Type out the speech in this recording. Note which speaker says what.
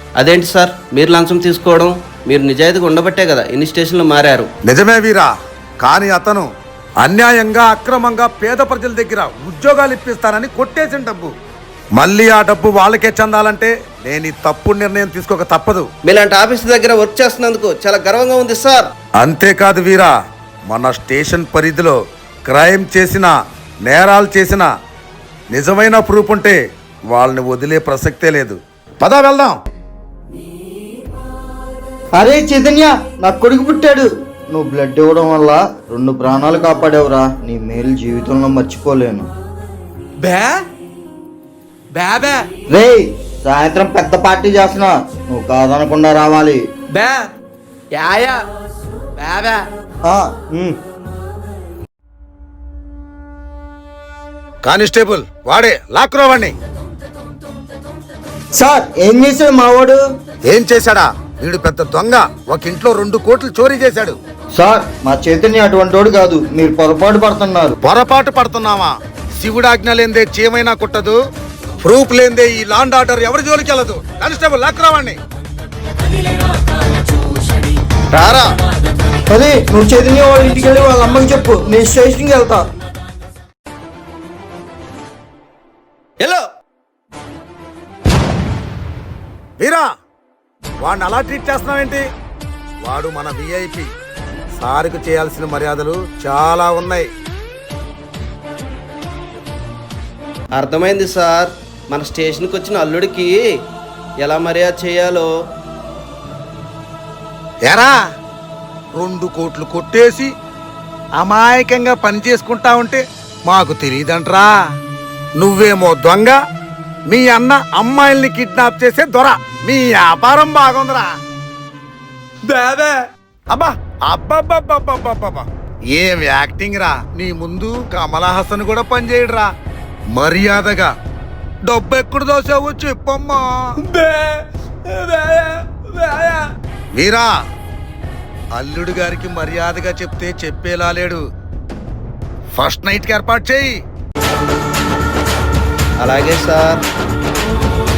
Speaker 1: అదేంటి సార్ మీరు లంచం తీసుకోవడం? మీరు నిజాయితీగా ఉండబట్టే కదా ఇన్ని స్టేషన్లు మారారు.
Speaker 2: నిజమే వీరా, కానీ అతను అన్యాయంగా అక్రమంగా పేద ప్రజల దగ్గర ఉద్యోగాలు ఇప్పిస్తానని కొట్టేసిన డబ్బు మళ్ళీ ఆ డబ్బు వాళ్ళకే చెందాలంటే నేను ఈ తప్పుడు నిర్ణయం తీసుకోక తప్పదు.
Speaker 1: మీలాంటి ఆఫీస్ దగ్గర వర్క్ చేస్తున్నందుకు చాలా గర్వంగా ఉంది సార్.
Speaker 2: అంతేకాదు వీరా, మన స్టేషన్ పరిధిలో క్రైమ్ చేసిన, నేరాలు చేసిన నిజమైన ప్రూఫ్ ఉంటే వాళ్ళని వదిలే ప్రసక్తే లేదు. పదా వెళ్దాం.
Speaker 3: అరే చైతన్య, నా కొడుకు పుట్టాడు. నువ్వు బ్లడ్ ఇవ్వడం వల్ల 2 ప్రాణాలు కాపాడావురా. నీ మేలు జీవితంలో మర్చిపోలేను. రే, సాయంత్రం పెద్ద పార్టీ చేస్తున్నా, నువ్వు కాదనకుండా రావాలి.
Speaker 2: కానిస్టేబుల్ వాడే లాక్రోవాణ్ణి.
Speaker 3: సార్, ఏం చేశాడు మావాడు?
Speaker 2: ఏం చేశాడా? వీడు పెద్ద దొంగ. ఒక ఇంట్లో 2 కోట్లు చోరీ చేశాడు.
Speaker 3: సార్, మా చైతన్య అటువంటోడు కాదు, మీరు పొరపాటు పడుతున్నారు.
Speaker 2: పొరపాటు పడుతున్నావా? శివుడాజ్ఞ లేందే చీమైనా కుట్టదు, ప్రూఫ్ లేందే ఈ లాండ్ ఆర్డర్ ఎవరి జోలికి వెళ్ళదు. కానిస్టేబుల్ లాక్రోవాణ్ణి. రారా.
Speaker 3: అదే, నువ్వు చైతన్య వాళ్ళ ఇంటికి వెళ్ళి వాళ్ళ అమ్మకి చెప్పు, నేను స్టేషన్కి వెళ్తా.
Speaker 1: హలో
Speaker 2: వీరా, వాడిని అలా ట్రీట్ చేస్తున్నావేంటి? వాడు మన విఐపి. సార్కు చేయాల్సిన మర్యాదలు చాలా ఉన్నాయి.
Speaker 1: అర్థమైంది సార్. మన స్టేషన్కి వచ్చిన అల్లుడికి ఎలా మర్యాద చేయాలో.
Speaker 2: ఎరా, 2 కోట్లు కొట్టేసి అమాయకంగా పని చేసుకుంటా ఉంటే మాకు తెలియదంట్రా. నువ్వేమో దొంగ, మీ అన్న అమ్మాయిల్ని కిడ్నాప్ చేసే దొర. మీ వ్యాపారం బాగుందిరా. అబ్బా అబ్బబ్బబ్బబ్బబ్బబ్బా, ఏం యాక్టింగ్ రా. నీ ముందు కమలా హాసన్ కూడా పనిచేయడురా. మర్యాదగా డబ్బు ఎక్కడ దోసావో చెప్పమ్మా. వీరా, అల్లుడు గారికి మర్యాదగా చెప్తే చెప్పేలా లేడు. ఫస్ట్ నైట్కి ఏర్పాటు చేయి.
Speaker 1: అలాగే సార్.